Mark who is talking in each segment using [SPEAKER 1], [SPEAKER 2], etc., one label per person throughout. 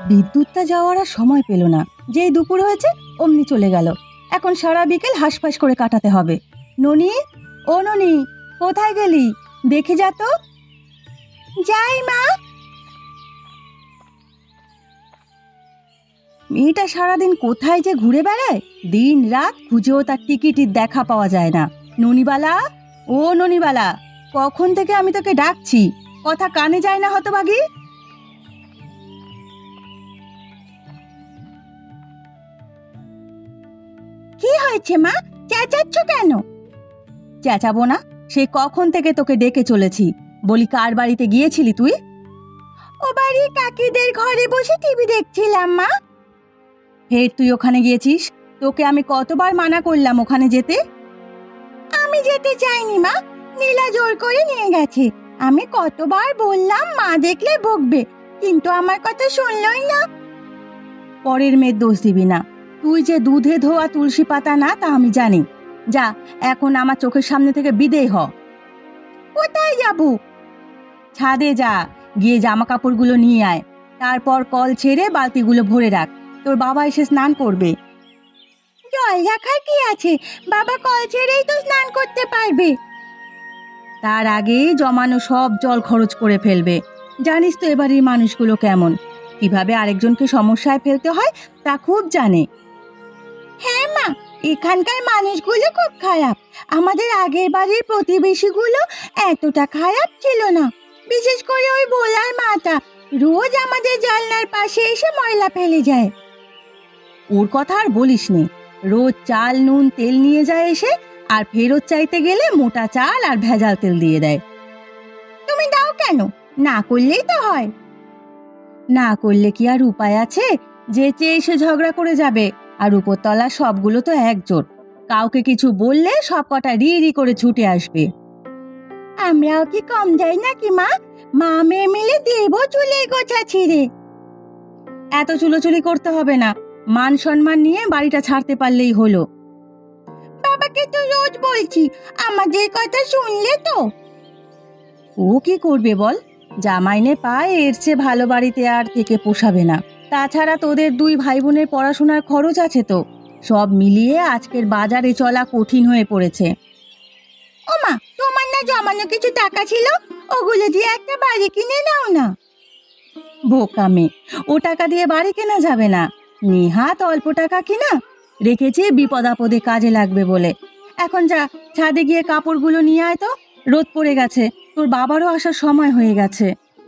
[SPEAKER 1] বিদ্যুৎটা যাওয়ার আর সময় পেল না। যেই দুপুর হয়েছে অমনি চলে গেল। এখন সারা বিকেল হাঁসফাঁস করে কাটাতে হবে। ননি, ও ননি, কোথায় গেলি? দেখে যা তো। যাই মা। মেয়েটা সারাদিন কোথায় যে ঘুরে বেড়ায়, দিন রাত খুঁজেও তার টিকিটির দেখা পাওয়া যায় না। ননিবালা, ও ননিবালা, কখন থেকে আমি তোকে ডাকছি, কথা কানে যায় না হতভাগী। কি হয়েছে মা, চেঁচাচ্ছ কেন? চেঁচাবো না? সে কখন থেকে তোকে ডেকে চলেছি। বলি, কার বাড়িতে গিয়েছিলি তুই? ও বাড়ি কাকিদের ঘরে বসে টিভি দেখছিলাম মা। ফের তুই ওখানে গিয়েছিস? তোকে আমি কতবার মানা করলাম ওখানে যেতে? আমি যেতে চাইনি মা, নীলা জোর করে নিয়ে গেছে। আমি কতবার বললাম মা দেখলে বকবে, কিন্তু আমার কথা শুনলই না। পরের মেয়ের দোষ দিবি না। তুই যে দুধে ধোয়া তুলসী পাতা না তা আমি জানি। যা, এখন আমার চোখের সামনে থেকে বিদেয় হ। কোথায় যাব? ছাদে যা, গিয়ে জামা কাপড়গুলো নিয়ে আয়। তারপর কল ছেড়ে বালতিগুলো ভরে রাখ, তোর বাবা এসে স্নান করবে। জল রাখার কি আছে, বাবা কল ছেড়েই তো স্নান করতে পারবে। তার আগে জমানো সব জল খরচ করে ফেলবে। জানিস তো এবারের মানুষগুলো কেমন, কিভাবে আরেকজনকে সমস্যায় ফেলতে হয় তা খুব জানে। হ্যাঁ মা, এখানকার মানুষগুলো খুব খারাপ। আমাদের আগের বাড়ির প্রতিবেশীগুলো এতটা খারাপ ছিল না। বিশেষ করে ওই ভোলার মাটা রোজ আমাদের জানলার পাশে এসে ময়লা ফেলে যায়। ওর কথা আর বলিস নে। রোজ চাল নুন তেল নিয়ে যায় এসে, আর ফেরত চাইতে গেলে মোটা চাল আর ভেজাল তেল দিয়ে দেয়। তুমি দাও কেন? না করলেই তো হয়। না করলে কি আর উপায় আছে? যেচে এসে ঝগড়া করে যাবে, আর উপরতলা সবগুলো তো একজোট। কাউকে কিছু বললে সব কটা রি রি করে ছুটে আসবে। আমরাও কি কম যাই নাকি মা? মা মেয়ে মিলে দেব চুলের গোছা ছিঁড়ে। এত চুলোচুলি করতে হবে না, মান সম্মান নিয়ে বাড়িটা ছাড়তে পারলেই হলো। বাবাকে তো রোজ বলছি, আমাদের কথা শুনলে তো। ও কি করবে বল? জামাইনে পায়, এর চেয়ে ভালো বাড়িতে আর থেকে পোষাবে না। তাছাড়া তোদের দুই ভাই বোনের পড়াশোনার খরচ আছে তো। সব মিলিয়ে আজকের বাজারে চলা কঠিন হয়ে পড়েছে। ও মা, তোমার না জমানো কিছু টাকা ছিল, ওগুলো দিয়ে একটা বাড়ি কিনে নাও না। বোকা মেয়ে, ও টাকা দিয়ে বাড়ি কেনা যাবে না। নেহাত অল্প টাকা কিনা রেখেছি বিপদ আপদে কাজে লাগবে বলে। এখন যা, ছাদে গিয়ে কাপড়গুলো নিয়ে আয় তো, রোদ পড়ে গেছে। তোর বাবারও আসার সময় হয়ে গেছে।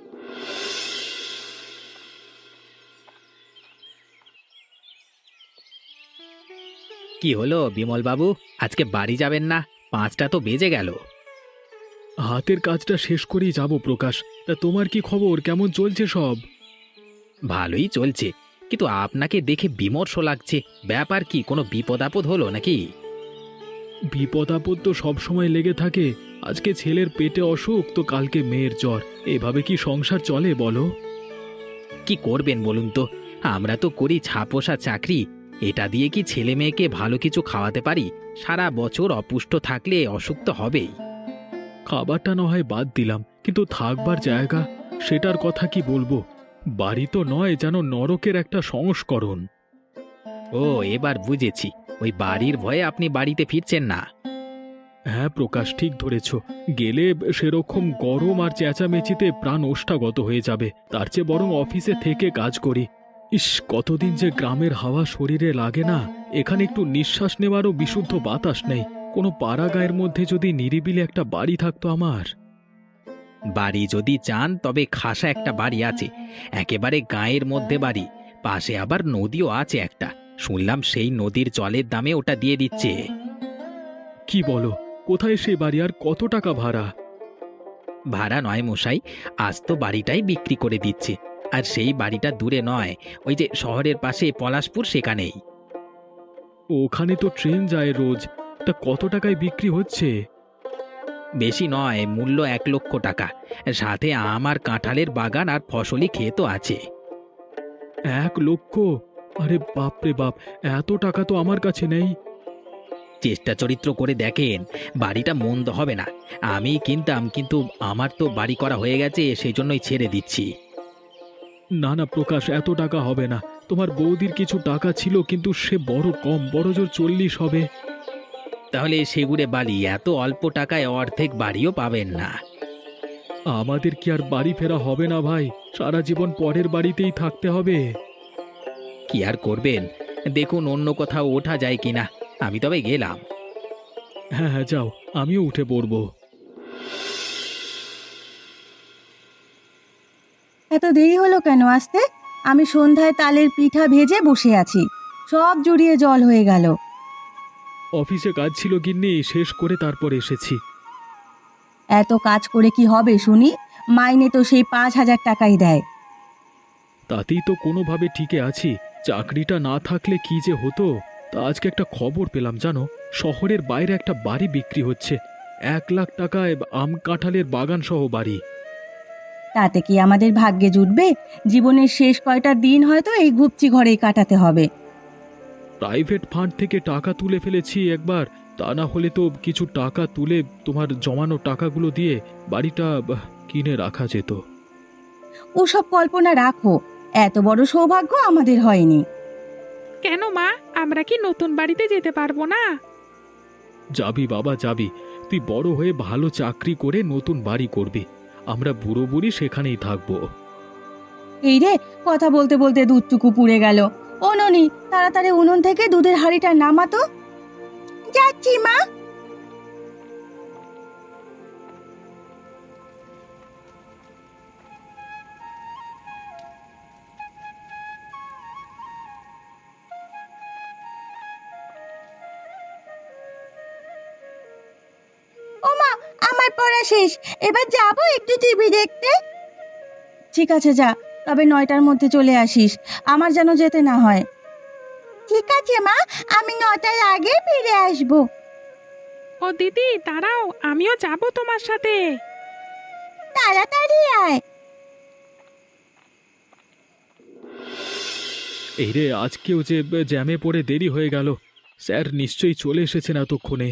[SPEAKER 2] কি হলো বিমল বাবু, আজকে বাড়ি যাবেন না? 5টা তো বেজে গেল।
[SPEAKER 3] হাতের কাজটা শেষ করেই যাব প্রকাশ। তা তোমার কি খবর, কেমন চলছে সব?
[SPEAKER 2] ভালোই চলছে, কিন্তু আপনাকে দেখে বিমর্ষ লাগছে। ব্যাপার কি, কোনো বিপদ আপদ হলো নাকি?
[SPEAKER 3] বিপদ আপদ তো সবসময় লেগে থাকে। আজকে ছেলের পেটে অসুখ, তো কালকে মেয়ের জ্বর। এভাবে কি সংসার চলে বলো?
[SPEAKER 2] কি করবেন বলুন তো, আমরা তো করি ছাপোষা চাকরি। এটা দিয়ে কি ছেলে মেয়েকে ভালো কিছু খাওয়াতে পারি? সারা বছর অপুষ্ট থাকলে অসুখ তো হবেই।
[SPEAKER 3] খাবারটা না হয় বাদ দিলাম, কিন্তু থাকবার জায়গা, সেটার কথা কি বলবো। বাড়ি তো নয়, যেন নরকের একটা সংস্করণ।
[SPEAKER 2] ও, এবার বুঝেছি, ওই বাড়ির ভয়ে আপনি বাড়িতে ফিরছেন না।
[SPEAKER 3] হ্যাঁ প্রকাশ, ঠিক ধরেছ। গেলে সেরকম গরম আর চেঁচামেচিতে প্রাণ ওষ্ঠাগত হয়ে যাবে। তার চেয়ে বরং অফিসে থেকে কাজ করি। ইস, কতদিন যে গ্রামের হাওয়া শরীরে লাগে না। এখানে একটু নিঃশ্বাস নেওয়ারও বিশুদ্ধ বাতাস নেই। কোনো পাড়া গায়ের মধ্যে যদি নিরিবিলি একটা বাড়ি থাকতো আমার।
[SPEAKER 2] বাড়ি যদি চান তবে খাসা একটা বাড়ি আছে, একেবারে গাঁয়ের মধ্যে বাড়ি। পাশে আবার নদীও আছে একটা, শুনলাম সেই নদীর জলের দামে ওটা দিয়ে দিচ্ছে।
[SPEAKER 3] কি বলো? কোথায় সেই বাড়ি, আর কত টাকা ভাড়া?
[SPEAKER 2] ভাড়া নয় মশাই, আজ তো বাড়িটাই বিক্রি করে দিচ্ছে। আর সেই বাড়িটা দূরে নয়, ওই যে শহরের পাশে পলাশপুর, সেখানেই।
[SPEAKER 3] ওখানে তো ট্রেন যায় রোজ। তা কত টাকায় বিক্রি হচ্ছে?
[SPEAKER 2] বেশি নয়, মূল্য 1,00,000 টাকা। সাথে আমার কাঁঠালের বাগান আর ফসলি ক্ষেতও আছে।
[SPEAKER 3] 1,00,000? আরে বাপরে বাপ, এত টাকা তো আমার কাছে নেই।
[SPEAKER 2] চেষ্টা চরিত্র করে দেখেন, বাড়িটা মন্দ হবে না। আমি কিনতাম, কিন্তু আমার তো বাড়ি করা হয়ে গেছে, সেই জন্যই ছেড়ে দিচ্ছি।
[SPEAKER 3] না না প্রকাশ, এত টাকা হবে না। তোমার বৌদির কিছু টাকা ছিল, কিন্তু সে বড় কম, বড় জোর 40 হবে।
[SPEAKER 2] তাহলে সেগুড়ে বালি এত অল্প টাকায় অর্ধেক বাড়িও পাবেন না।
[SPEAKER 3] আমাদের কি আর বাড়ি ফেরা হবে না ভাই? সারা জীবন পরের বাড়িতেই থাকতে হবে।
[SPEAKER 2] কি আর করবেন, দেখুন অন্য কোথাও ওঠা যায় কিনা। আমি তবে গেলাম।
[SPEAKER 3] হ্যাঁ হ্যাঁ, যাও, আমিও উঠে পড়ব।
[SPEAKER 1] এত দেরি হলো কেন আসতে? আমি সন্ধ্যায় তালের পিঠা ভেজে বসে আছি, সব জুড়িয়ে জল হয়ে গেল।
[SPEAKER 3] অফিসে কাজ ছিল গিন্নি, শেষ করে তারপর এসেছি।
[SPEAKER 1] এত কাজ করে কি হবে শুনি? মাইনে তো সেই 5,000 টাকাই দেয়।
[SPEAKER 3] তাতেই তো কোনোভাবে টিকে আছি। চাকরিটা না থাকলে কি যে হতো। তা আজকে একটা খবর পেলাম জানো, শহরের বাইরে একটা বাড়ি বিক্রি হচ্ছে। 1,00,000 টাকায় আম কাঁঠালের বাগান সহ বাড়ি।
[SPEAKER 1] তাতে কি আমাদের ভাগ্যে জুটবে? জীবনের শেষ কয়টা দিন হয়তো এই ঘুপচি ঘরেই কাটাতে হবে।
[SPEAKER 3] প্রাইভেট ফান্ড থেকে টাকা তুলে ফেলেছি একবার। তা না হলে তো কিছু টাকা তুলে তোমার জমানো টাকাগুলো দিয়ে বাড়িটা কিনে রাখা যেত।
[SPEAKER 1] ওসব কল্পনা রাখো, এত বড় সৌভাগ্য আমাদের হয়নি।
[SPEAKER 4] কেন মা, আমরা কি নতুন বাড়িতে যেতে পারবো না?
[SPEAKER 3] যাবি বাবা যাবি, তুই বড় হয়ে ভালো চাকরি করে নতুন বাড়ি করবি। আমরা বুড়ো বুড়ি সেখানেই থাকবো।
[SPEAKER 1] এই রে, কথা বলতে বলতে দুধটুকু পুড়ে গেল। ও ননি, তাড়াতাড়ি উনুন থেকে দুধের হাঁড়িটা নামাতো। যাচ্ছি মা। ও মা, আমার পড়া শেষ, এবার যাবো একটু টিভি দেখতে। ঠিক আছে যা, তবে 9টার মধ্যে চলে আসিস, আমার যেন যেতে না হয়। ঠিক আছে মা, আমি 9টার আগে ফিরে আসবো।
[SPEAKER 4] ও দিদি দাঁড়াও, আমিও যাব তোমার সাথে।
[SPEAKER 1] তাড়াতাড়ি আয়।
[SPEAKER 3] এই রে, আজকেও যে জ্যামে পড়ে দেরি হয়ে গেল। স্যার নিশ্চয়ই চলে এসেছেন এতক্ষণে।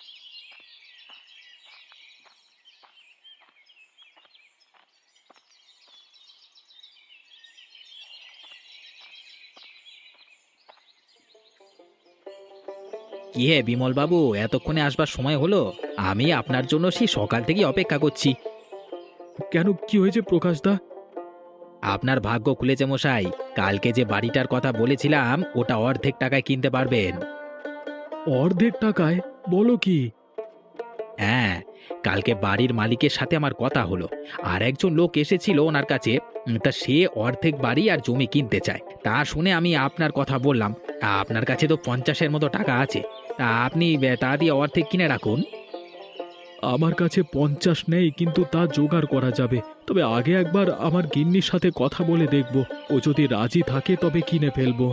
[SPEAKER 2] কি হে বিমল বাবু, এতক্ষণে আসবার সময় হলো? আমি আপনার জন্য সেই সকাল থেকেই অপেক্ষা করছি।
[SPEAKER 3] কেন, কি হয়েছে প্রকাশদা?
[SPEAKER 2] আপনার ভাগ্য খুলেছে মশাই। কালকে যে বাড়িটার কথা বলেছিলাম ওটা অর্ধেক টাকায় কিনতে পারবেন।
[SPEAKER 3] অর্ধেক টাকায়? বলো কি?
[SPEAKER 2] হ্যাঁ, কালকে বাড়ির মালিকের সাথে আমার কথা হলো। আর একজন লোক এসেছিল ওনার কাছে। তা সে অর্ধেক বাড়ি আর জমি কিনতে চায়। তা শুনে আমি আপনার কথা বললাম। আপনার কাছে তো 50-এর মতো টাকা আছে। তা আপনি তা দিয়ে অর্ধেক কিনে রাখুন।
[SPEAKER 3] আমার কাছে 50 নেই, কিন্তু তা জোগাড় করা যাবে। তবে আগে একবার আমার গিন্নির সাথে কথা বলে দেখব। ও যদি রাজি থাকে তবে কিনে ফেলবো।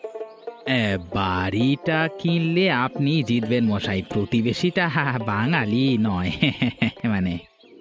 [SPEAKER 2] বাড়িটা কিনলে আপনি জিতবেন মশাই। প্রতিবেশীটা বাঙালি নয়। মানে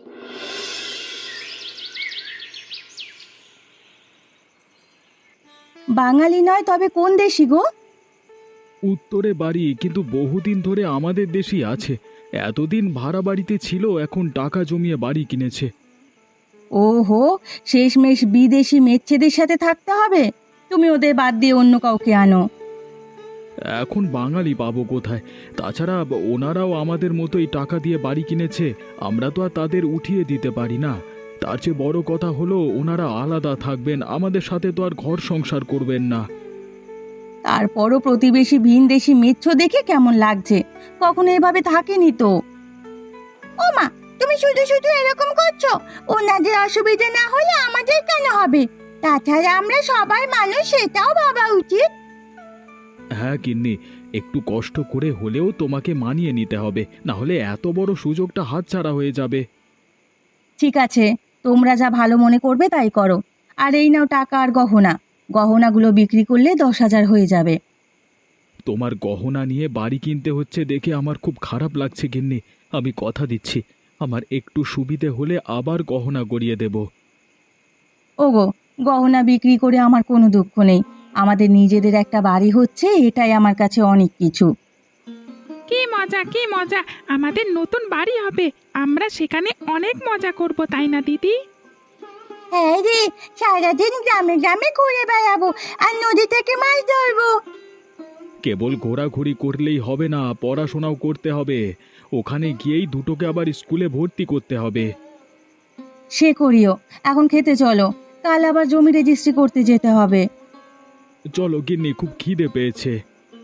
[SPEAKER 1] বাঙালি নয় তবে কোন দেশি গো?
[SPEAKER 3] উত্তরে বাড়ি, কিন্তু বহুদিন ধরে আমাদের দেশই আছে। এতদিন ভাড়া বাড়িতে ছিল, এখন টাকা জমিয়ে বাড়ি কিনেছে।
[SPEAKER 1] ওহো, শেষমেশ বিদেশি মেচ্ছেদের সাথে থাকতে হবে। তুমি ওদের বাদ দিয়ে অন্য কাউকে আনো।
[SPEAKER 3] এখন বাঙালি পাবো কোথায়? তাছাড়া ওনারাও আমাদের মতোই টাকা দিয়ে বাড়ি কিনেছে। আমরা তো আর তাদের উঠিয়ে দিতে পারি না। তার চেয়ে বড় কথা হলো, ওনারা আলাদা থাকবেন, আমাদের সাথে তো আর ঘর সংসার করবেন না।
[SPEAKER 1] তারপরও প্রতিবেশী ভিনদেশি মেচ্ছ দেখে কেমন লাগছে? কখনো এভাবে থাকেনি তো। ও মা, তুমি শুধু শুধু এরকম করছো। ওনাদের অসুবিধা না হলে আমাদের কেন হবে? তাছাড়া আমরা সবাই মানুষ, সেটাও ভাবা উচিত।
[SPEAKER 3] হ্যাঁ গিন্নি, একটু কষ্ট করে হলেও তোমাকে মানিয়ে নিতে হবে, না হলে এত বড় সুযোগটা হাতছাড়া হয়ে যাবে।
[SPEAKER 1] ঠিক আছে, তোমরা যা ভালো মনে করবে তাই করো। আর এই নাও টাকা আর গহনা। গহনাগুলো বিক্রি করলে 10,000 হয়ে যাবে।
[SPEAKER 3] তোমার গহনা নিয়ে বাড়ি কিনতে হচ্ছে দেখে আমার খুব খারাপ লাগছে গিন্নি। আমি কথা দিচ্ছি, আমার একটু সুবিধে হলে আবার গহনা গড়িয়ে দেব।
[SPEAKER 1] ওগো, গহনা বিক্রি করে আমার কোনো দুঃখ নেই। আমাদের নিজেদের একটা বাড়ি হচ্ছে, এটাই আমার কাছে অনেক কিছু।
[SPEAKER 4] কি মজা, কি মজা! আমাদের নতুন বাড়ি হবে, আমরা সেখানে অনেক মজা করব, তাই না দিদি?
[SPEAKER 1] হ্যাঁ রে, সারাদিন গ্রামে গ্রামে ঘুরে বেড়াবো আর নদী থেকে মাছ ধরবো।
[SPEAKER 3] কেবল ঘোরাঘুরি করলেই হবে না, পড়াশোনাও করতে হবে। ওখানে গিয়েই দুটোকে আবার স্কুলে ভর্তি করতে হবে।
[SPEAKER 1] সে করিও, এখন খেতে চলো, কাল আবার জমি রেজিস্ট্রি করতে যেতে হবে।
[SPEAKER 3] চলো গিন্নি, খুব খিদে পেয়েছে।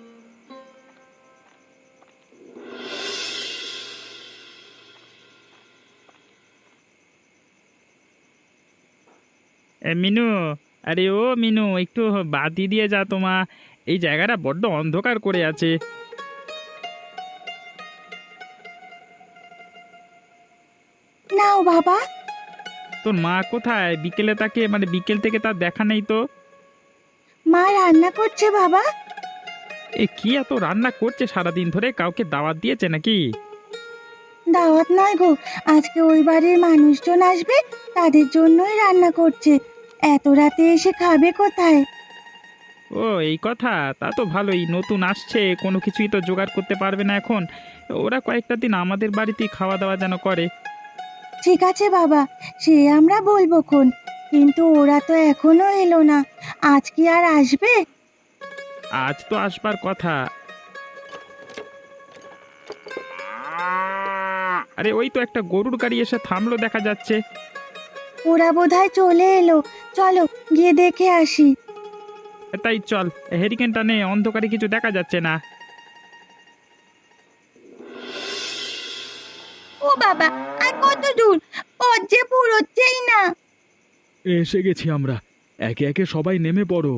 [SPEAKER 5] মিনু, আরে ও মিনু, একটু বাতি দিয়ে যা তোমা। এই জায়গাটা বড্ড অন্ধকার করে আছে।
[SPEAKER 1] নাও বাবা।
[SPEAKER 5] তোর মা কোথায়? বিকেলে তাকে মানে বিকেল থেকে তার দেখা নেই তো।
[SPEAKER 1] মা রান্না করছে বাবা।
[SPEAKER 5] এ কি এত রান্না করছে সারাদিন ধরে? কাউকে দাওয়াত দিয়েছে নাকি?
[SPEAKER 1] দাওয়াত নয় গো, আজকে ওই বাড়ির মানুষজন আসবে, তাদের জন্যই রান্না করছে। এত রাতে এসে খাবে কোথায়?
[SPEAKER 5] ও এই কথা, তা তো ভালোই। নতুন আসছে, কোনো কিছুই তো জোগাড় করতে পারবে না এখন। ওরা কয়েকটা দিন আমাদের বাড়িতেই খাওয়া দাওয়া যেন করে।
[SPEAKER 1] ঠিক আছে বাবা, সে আমরা বলবো খন, কিন্তু ওরা তো এখনো এলো না, আজ কি আর আসবে?
[SPEAKER 5] আজ তো আসবার কথা। আরে ওই তো একটা গরুর গাড়ি এসে থামলো দেখা যাচ্ছে।
[SPEAKER 1] ওরা বোধহয় চলে এলো, চলো গিয়ে দেখে আসি।
[SPEAKER 5] তাই চল, হেরিকেনটা নে, অন্ধকারে কিছু দেখা যাচ্ছে না।
[SPEAKER 1] ও বাবা, আর কত দূর? পথ যে পুরোচ্ছেই না।
[SPEAKER 3] এসে গেছি আমরা, একে একে সবাই নেমে পড়ো।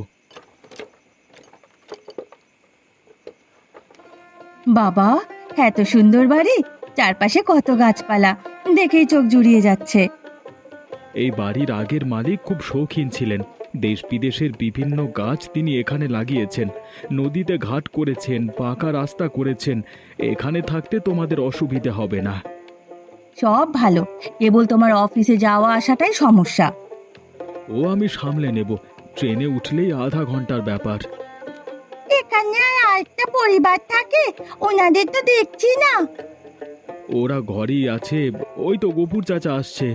[SPEAKER 1] বাবা, এত সুন্দর বাড়ি, চারপাশে কত গাছপালা, দেখেই চোখ জুড়িয়ে যাচ্ছে।
[SPEAKER 3] এই বাড়ির আগের মালিক খুব শৌখিন ছিলেন। দেশ বিদেশের বিভিন্ন গাছ তিনি এখানে লাগিয়েছেন, নদীতে ঘাট করেছেন, পাকা রাস্তা করেছেন। এখানে থাকতে তোমাদের অসুবিধে হবে না।
[SPEAKER 1] সব ভালো, কেবল তোমার অফিসে যাওয়া আসাটাই সমস্যা।
[SPEAKER 3] ও আমি সামলে নেব, ট্রেনে উঠলেই আধা ঘন্টার ব্যাপার।
[SPEAKER 1] এখানে আর আরেকটা পরিবার থাকে, ওনাদের তো দেখছি না।
[SPEAKER 3] ওরা ঘরেই আছে, ওই তো গফুর চাচা আসছে।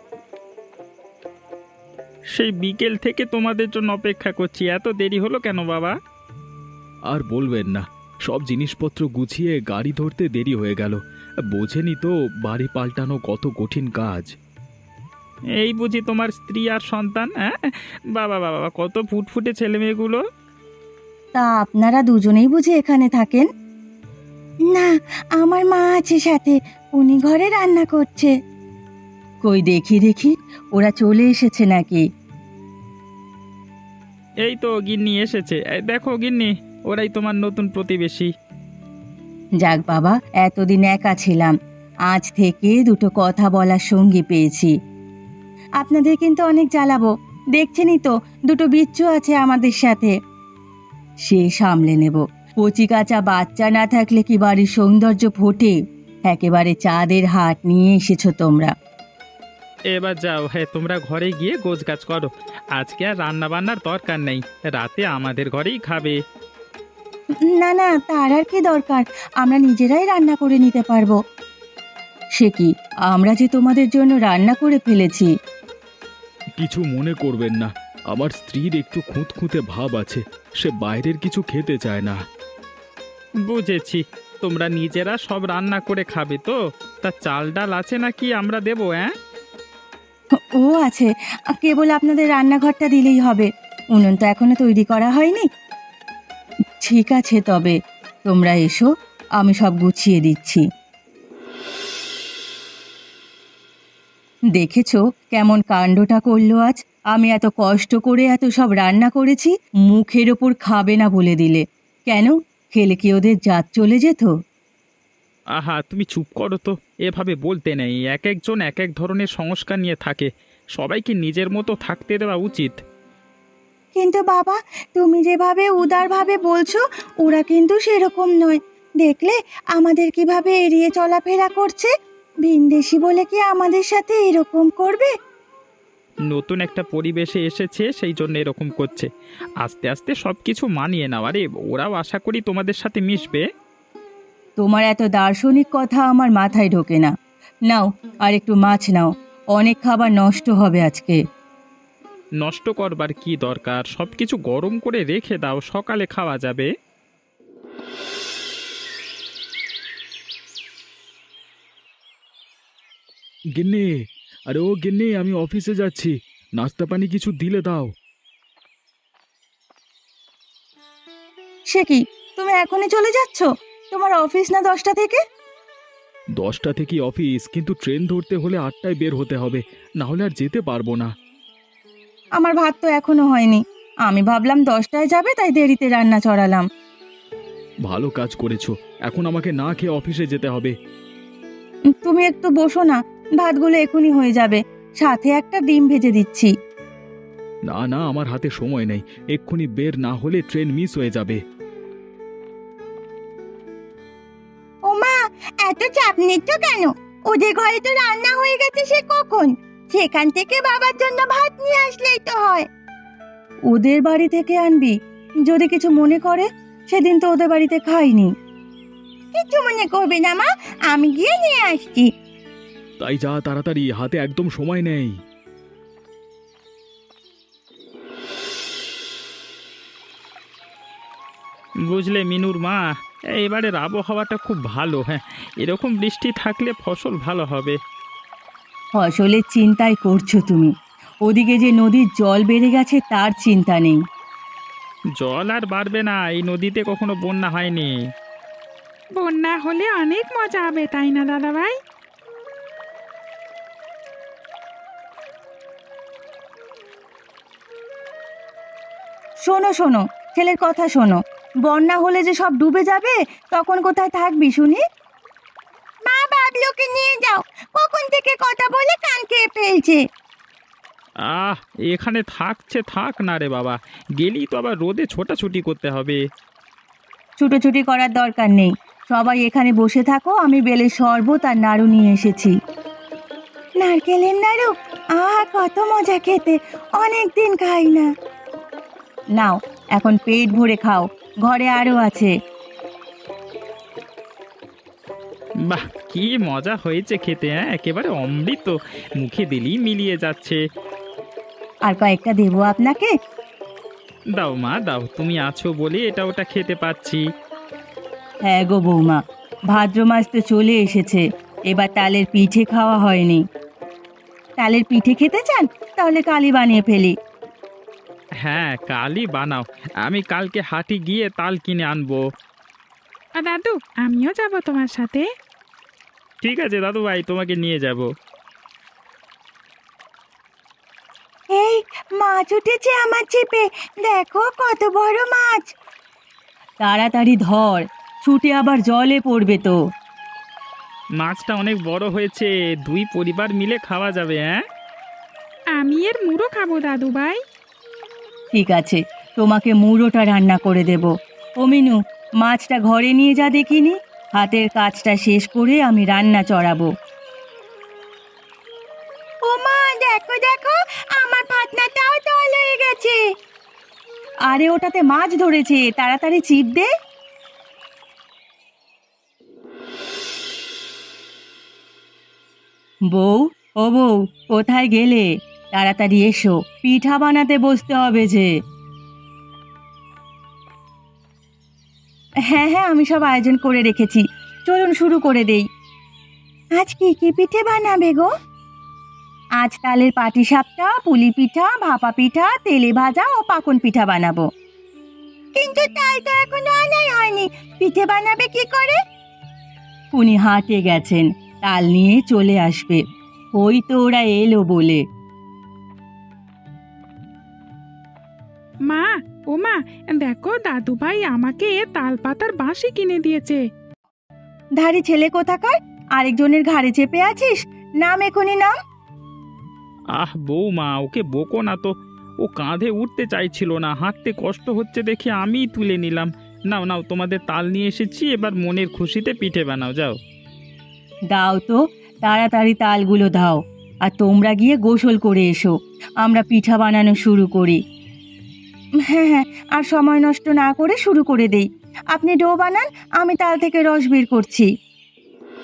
[SPEAKER 5] সেই বিকেল থেকে তোমাদের জন্য অপেক্ষা করছি, এত দেরি হলো কেন বাবা?
[SPEAKER 3] আর বলবেন না, সব জিনিসপত্র গুছিয়ে গাড়ি ধরতে দেরি হয়ে গেল। বোঝেনি তো বাড়ি পাল্টানো কত কঠিন কাজ।
[SPEAKER 5] এই বুঝি তোমার স্ত্রী আর সন্তান? হ্যাঁ, বাবা বাবা, কত ফুটফুটে ছেলে মেয়েগুলো।
[SPEAKER 1] তা আপনারা দুজনেই বুঝি এখানে থাকেন? না, আমার মা আছে সাথে, উনি ঘরে রান্না করছে। কই দেখি দেখি, ওরা চলে এসেছে নাকি?
[SPEAKER 5] এই তো গিন্নি এসেছে, এই দেখো গিন্নি, ওরাই তোমার নতুন প্রতিবেশী।
[SPEAKER 1] যাক বাবা, এতদিন একা ছিলাম, আজ থেকে দুটো কথা বলার সঙ্গী পেয়েছি। আপনাদের কিন্তু অনেক জ্বালাবো, দেখছেনই তো দুটো বিচ্ছু আছে আমাদের সাথে। সে সামলে নেব, কচি কাঁচা বাচ্চা না থাকলে কি বাড়ির সৌন্দর্য ফোটে? একেবারে চাঁদের হাট নিয়ে এসেছো তোমরা।
[SPEAKER 5] এবার যাও, হ্যাঁ তোমরা ঘরে গিয়ে গোছগাছ করো। আজকে আর রান্না বান্নার দরকার নেই, রাতে আমাদের ঘরেই খাবে।
[SPEAKER 1] না না, তার আর কি দরকার, আমরা নিজেরাই রান্না করে নিতে পারবো। সে কি, আমরা যে তোমাদের জন্য রান্না করে ফেলেছি।
[SPEAKER 3] কিছু মনে করবেন না, আমার স্ত্রীর একটু খুঁতখুঁতে ভাব আছে, সে বাইরের কিছু খেতে চায় না।
[SPEAKER 5] বুঝেছি, তোমরা নিজেরা সব রান্না করে খাবে তো? তা চাল ডাল আছে নাকি আমরা দেবো? হ্যাঁ,
[SPEAKER 1] ও আছে, কেবল আপনাদের রান্নাঘরটা দিলেই হবে, উনুন তো এখনো তৈরি করা হয়নি। ঠিক আছে, তবে তোমরা এসো, আমি সব গুছিয়ে দিচ্ছি। দেখেছো কেমন কাণ্ডটা করলো আজ? আমি এত কষ্ট করে এত সব রান্না করেছি, মুখের ওপর খাবে না বলে দিলে। কেন, খেলে কি ওদের জাত চলে যেত?
[SPEAKER 5] আহা তুমি চুপ করো তো, এভাবে বলতে নেই। এক একজন এক এক ধরনের সংস্কার নিয়ে থাকে, সবাইকে নিজের মতো থাকতে দেওয়া উচিত।
[SPEAKER 1] কিন্তু বাবা, তুমি যেভাবে উদারভাবে বলছো, ওরা কিন্তু সেরকম নয়। দেখলে আমাদের কিভাবে এড়িয়ে চলাফেরা করছে, ভিনদেশি বলে কি আমাদের সাথে এরকম করবে?
[SPEAKER 5] নতুন একটা পরিবেশে এসেছে, সেই জন্য এরকম করছে। আস্তে আস্তে সব কিছু মানিয়ে নাও। আরে ওরাও আশা করি তোমাদের সাথে মিশবে।
[SPEAKER 1] তোমার এত দার্শনিক কথা আমার মাথায় ঢোকে না। নাও, আর একটু মাছ নাও, অনেক খাবার নষ্ট হবে আজকে।
[SPEAKER 5] নষ্ট করবার কি দরকার, সব কিছু গরম করে রেখে দাও, সকালে খাওয়া যাবে।
[SPEAKER 3] গিন্নি, আরে ও গিন্নি, আমি অফিসে যাচ্ছি, নাস্তা পানি কিছু দিলে দাও।
[SPEAKER 1] সে কি, তুমি এখনই চলে যাচ্ছ? তোমার অফিস না 10টা থেকে?
[SPEAKER 3] 10টা থেকে অফিস, কিন্তু ট্রেন ধরতে হলে 8টায় বের হতে হবে, না হলে আর যেতে পারবো না।
[SPEAKER 1] আমার ভাত তো এখনো হয়নি। আমি ভাবলাম 10টায় যাবে, তাই দেরিতে রান্না চড়ালাম।
[SPEAKER 3] ভালো কাজ করেছো, এখন আমাকে না খেয়ে অফিসে যেতে হবে।
[SPEAKER 1] তুমি একটু বসো না, ভাতগুলো এখনই হয়ে যাবে। সাথে একটা ডিম ভেজে দিচ্ছি।
[SPEAKER 3] না না, আমার হাতে সময় নেই, এক্ষুনি বের না হলে ট্রেন মিস হয়ে যাবে।
[SPEAKER 1] ওমা, এত চাপ নিচ্ছ কেন? ওদের ঘরে তো রান্না হয়ে গেছে সে কখন। সেখান থেকে বাবার জন্য ভাত নিয়ে আসলেই তো হয়। ওদের বাড়ি থেকে আনবি? যদি কিছু মনে করে, সেদিন তো ওদের বাড়িতে খাইনি। কিছু মনে করবে না মা, আমি গিয়ে নিয়ে আসছি।
[SPEAKER 3] তাই যা তাড়াতাড়ি, হাতে একদম সময় নেই।
[SPEAKER 5] বুঝলে মিনুর মা, এবারের আবহাওয়াটা খুব ভালো। হ্যাঁ, এরকম বৃষ্টি থাকলে ফসল ভালো হবে।
[SPEAKER 1] ফসলের চিন্তাই করছো তুমি, ওদিকে যে নদীর জল বেড়ে গেছে তার চিন্তা নেই।
[SPEAKER 5] জল আর বাড়বে না, এই নদীতে কখনো বন্যা হয়নি।
[SPEAKER 4] বন্যা হলে অনেক মজা হবে, তাই না দাদা ভাই?
[SPEAKER 1] শোনো শোনো, ছেলের কথা শোনো। বন্যা হলে যে সব ডুবে যাবে, তখন কোথায় থাকবি শুনি? মা, বাবলুকে নিয়ে যাও, কখন থেকে কথা বলে কান খেয়ে ফেলছে।
[SPEAKER 5] আহ, এখানে থাকছে থাক না রে বাবা, গেলেই তো আবার রোদে ছোটাছুটি করতে হবে।
[SPEAKER 1] ছুটোছুটি করার দরকার নেই, সবাই এখানে বসে থাকো, আমি বেলের শরবত আর নাড়ু নিয়ে এসেছি। নারকেলের নাড়ু, কত মজা খেতে, অনেক দিন খাই না। নাও, এখন পেট ভরে খাও, ঘরে আরো আছে।
[SPEAKER 5] বাহ, কি মজা হয়েছে খেতে! হ্যাঁ, একেবারে অমৃত, মুখে দিলেই মিলিয়ে যাচ্ছে।
[SPEAKER 1] আর কয়েকটা দেবো আপনাকে?
[SPEAKER 5] দাও মা দাও, তুমি আছো বলে এটা ওটা খেতে পাচ্ছি।
[SPEAKER 1] হ্যাঁ গো বৌমা, ভাদ্র মাস তো চলে এসেছে, এবার তালের পিঠে খাওয়া হয়নি। তালের পিঠে খেতে চান? তাহলে কালই বানিয়ে ফেলি।
[SPEAKER 5] হ্যাঁ, কালই বানাও, আমি কালকে হাটে গিয়ে তাল কিনে আনবো।
[SPEAKER 4] আর দাদু, আমিও যাব তোমার সাথে।
[SPEAKER 5] ঠিক আছে দাদু ভাই, তোমাকে নিয়ে যাব।
[SPEAKER 1] এই, মাছ উঠেছে আমার ছিপে, দেখো কত বড় মাছ। তাড়াতাড়ি ধর, ছুটে আবার জলে পড়বে তো।
[SPEAKER 5] মাছটা অনেক বড় হয়েছে, দুই পরিবার মিলে খাওয়া যাবে। হ্যাঁ,
[SPEAKER 4] আমি এর মুড়ো খাবো দাদু ভাই।
[SPEAKER 1] ঠিক আছে, তোমাকে মুড়োটা রান্না করে দেব। ও মিনু, মাছটা ঘরে নিয়ে যা দেখিনি, হাতের কাজটা শেষ করে আমি রান্না চড়াবো। ও মা, দেখো দেখো, আমার পাতনাটাও তল হয়ে গেছে। আরে ওটাতে মাছ ধরেছে, তাড়াতাড়ি চিপ দে। বউ, ও বউ, কোথায় গেলে? তাড়াতাড়ি এসো, পিঠা বানাতে বসতে হবে যে। হ্যাঁ হ্যাঁ, আমি সব আয়োজন করে রেখেছি, চলুন শুরু করে দেই। আজ কি কি পিঠে বানাবে গো? আজ তালের পাটিসাপটা, পুলি পিঠা, ভাপা পিঠা, তেলে ভাজা ও পাকন পিঠা বানাবো। কিন্তু তাই তো এখনো আনাই হয়নি, পিঠে বানাবে কি করে? উনি হাটে গেছেন, তাল নিয়ে চলে আসবে, ওই তো ওরা এলো বলে।
[SPEAKER 4] মা, ও মা, দেখো দাদু ভাই আমাকে তাল পাতার বাঁশি কিনে দিয়েছে।
[SPEAKER 1] ধাড়ি ছেলে কোথাকার, আরেকজনের ঘাড়ে চেপে আছিস, নাম এখনই নাম।
[SPEAKER 5] আহ বৌমা, ওকে বকো না তো, ও কাঁধে উঠতে চাইছিল না, হাঁটতে কষ্ট হচ্ছে দেখে আমিই তুলে নিলাম। নাও নাও, তোমাদের তাল নিয়ে এসেছি, এবার মনের খুশিতে পিঠে বানাও, যাও।
[SPEAKER 1] দাও তো, তাড়াতাড়ি তালগুলো দাও, আর তোমরা গিয়ে গোসল করে এসো, আমরা পিঠা বানানো শুরু করি। হ্যাঁ হ্যাঁ, আর সময় নষ্ট না করে শুরু করে দেই। আপনি ডো বানান, আমি তাল থেকে রস বের করছি।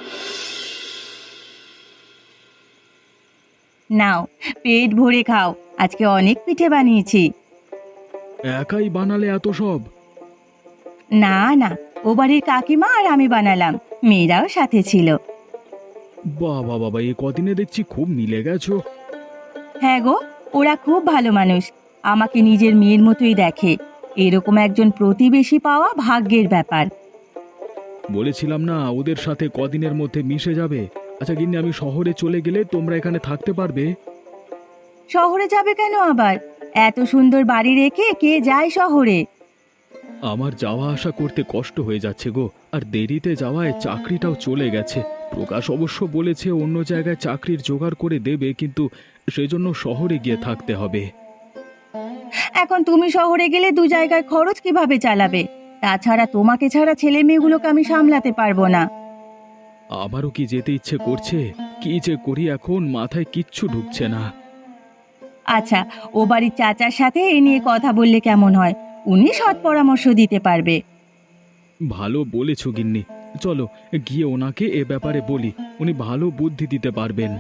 [SPEAKER 1] নাও, পেট ভরে খাও, আজকে অনেক পিঠে বানিয়েছি।
[SPEAKER 3] একাই বানালে এত সব?
[SPEAKER 1] না না, ও বাড়ির কাকিমা আর আমি বানালাম, মেয়েরাও সাথে ছিল।
[SPEAKER 3] বাবা বাবা, এ কদিনে দেখছি খুব মিলে গেছো।
[SPEAKER 1] হ্যাঁ গো, ওরা খুব ভালো মানুষ, আমাকে নিজের মেয়ের মতোই দেখে। এরকম একজন প্রতিবেশী পাওয়া ভাগ্যের ব্যাপার।
[SPEAKER 3] বলেছিলাম না ওদের সাথে কদিনের মধ্যে মিশে যাবে। আচ্ছা গিন্নি, আমি শহরে চলে গেলে তোমরা এখানে থাকতে পারবে?
[SPEAKER 1] শহরে যাবে কেন আবার? এত সুন্দর বাড়ি রেখে কে যায় শহরে?
[SPEAKER 3] আমার যাওয়া আসা করতে কষ্ট হয়ে যাচ্ছে গো, আর দেরিতে যাওয়ায় চাকরিটাও চলে গেছে। প্রকাশ অবশ্য বলেছে অন্য জায়গায় চাকরির জোগাড় করে দেবে, কিন্তু সেজন্য শহরে গিয়ে থাকতে হবে।
[SPEAKER 1] এখন তুমি শহরে গেলে দু জায়গায় খরচ কিভাবে চালাবে? তাছাড়া তোমাকে ছাড়া ছেলে মেয়েগুলোকে আমি সামলাতে পারবো না।
[SPEAKER 3] আমারও কি যেতে ইচ্ছে করছে, কি যে করি এখন মাথায় কিচ্ছু ঢুকছে না।
[SPEAKER 1] আচ্ছা, ও বাড়ির চাচার সাথে এ নিয়ে কথা বললে কেমন হয়? উনি সৎ পরামর্শ দিতে পারবে।
[SPEAKER 3] ভালো বলেছ গিন্নি, চলো গিয়ে ওনাকে এ ব্যাপারে বলি, উনি ভালো বুদ্ধি দিতে পারবেন।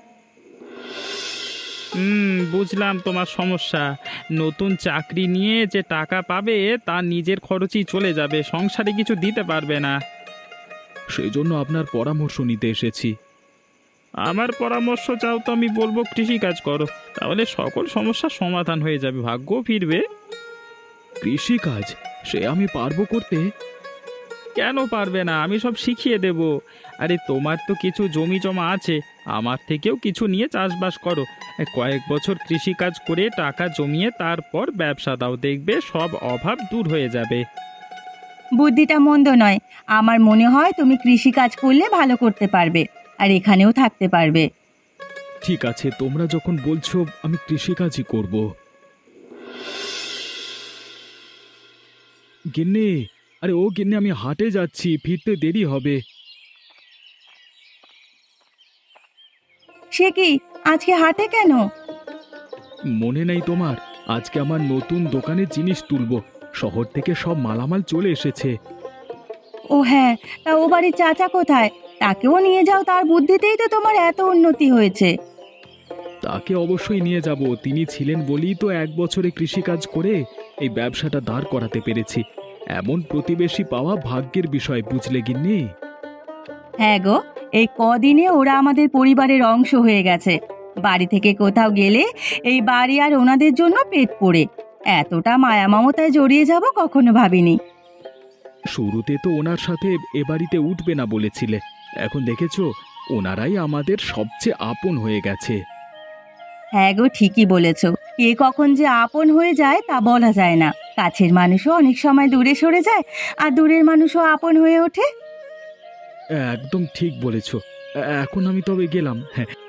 [SPEAKER 5] বুঝলাম তোমার সমস্যা। নতুন চাকরি নিয়ে যে টাকা পাবে তা নিজের খরচই চলে যাবে, সংসারে কিছু দিতে পারবে না।
[SPEAKER 3] সেই জন্য আপনার পরামর্শ নিতে এসেছি।
[SPEAKER 5] আমার পরামর্শ চাও তো আমি বলবো কৃষিকাজ করো, তাহলে সকল সমস্যার সমাধান হয়ে যাবে, ভাগ্যও ফিরবে।
[SPEAKER 3] কৃষিকাজ? সে আমি পারবো করতে।
[SPEAKER 5] কেন পারবে না, আমি সব শিখিয়ে দেব। আরে তোমার তো কিছু জমি জমা আছে, আমার থেকেও কিছু নিয়ে চাষবাস করো। কয়েক বছর কৃষিকাজ করে টাকা জমিয়ে তারপর ব্যবসা দাও, দেখবে সব অভাব দূর হয়ে যাবে।
[SPEAKER 1] বুদ্ধিটা মন্দ নয়। আমার মনে হয় তুমি কৃষিকাজ করলে ভালো করতে পারবে, আর এখানেও থাকতে পারবে।
[SPEAKER 3] ঠিক আছে, তোমরা যখন বলছো আমি কৃষিকাজই করব। গিন্নি, আরে ও গিন্নি, আমি হাটে যাচ্ছি, ফিরতে দেরি হবে।
[SPEAKER 1] সে কি, আজকে হাটে কেন?
[SPEAKER 3] মনে নেই তোমার? আজকে আমার নতুন দোকানে জিনিস তুলবো, শহর থেকে সব মালামাল চলে এসেছে।
[SPEAKER 1] ও হ্যাঁ, তা ও বাড়ির চাচা কোথায়? তাকেও নিয়ে যাও, তার বুদ্ধিতেই তো তোমার এত উন্নতি হয়েছে।
[SPEAKER 3] তাকে অবশ্যই নিয়ে যাব, তিনি ছিলেন বলেই তো 1 বছরে কৃষিকাজ করে এই ব্যবসাটা দাঁড় করাতে পেরেছি। এমন প্রতিবেশী পাওয়া ভাগ্যের বিষয়, বুঝলে গিন্নি?
[SPEAKER 1] হ্যাঁ গো, এই কদিনে ওরা আমাদের পরিবারের অংশ হয়ে গেছে। বাড়ি থেকে কোথাও গেলে এই বাড়ি আর ওনাদের জন্য পেট পড়ে। এতটা মায়া মমতায় জড়িয়ে যাব কখনো ভাবিনি।
[SPEAKER 3] শুরুতে তো ওনার সাথে এ বাড়িতে উঠবে না বলেছিলে, এখন দেখেছো ওনারাই আমাদের সবচেয়ে আপন হয়ে গেছে।
[SPEAKER 1] হ্যাঁ গো, ঠিকই বলেছ। কে কখন যে আপন হয়ে যায় তা বলা যায় না। কাছের মানুষও অনেক সময় দূরে সরে যায়, আর দূরের মানুষও আপন হয়ে ওঠে।
[SPEAKER 3] একদম ঠিক বলেছো। এখন আমি তবে গেলাম। হ্যাঁ,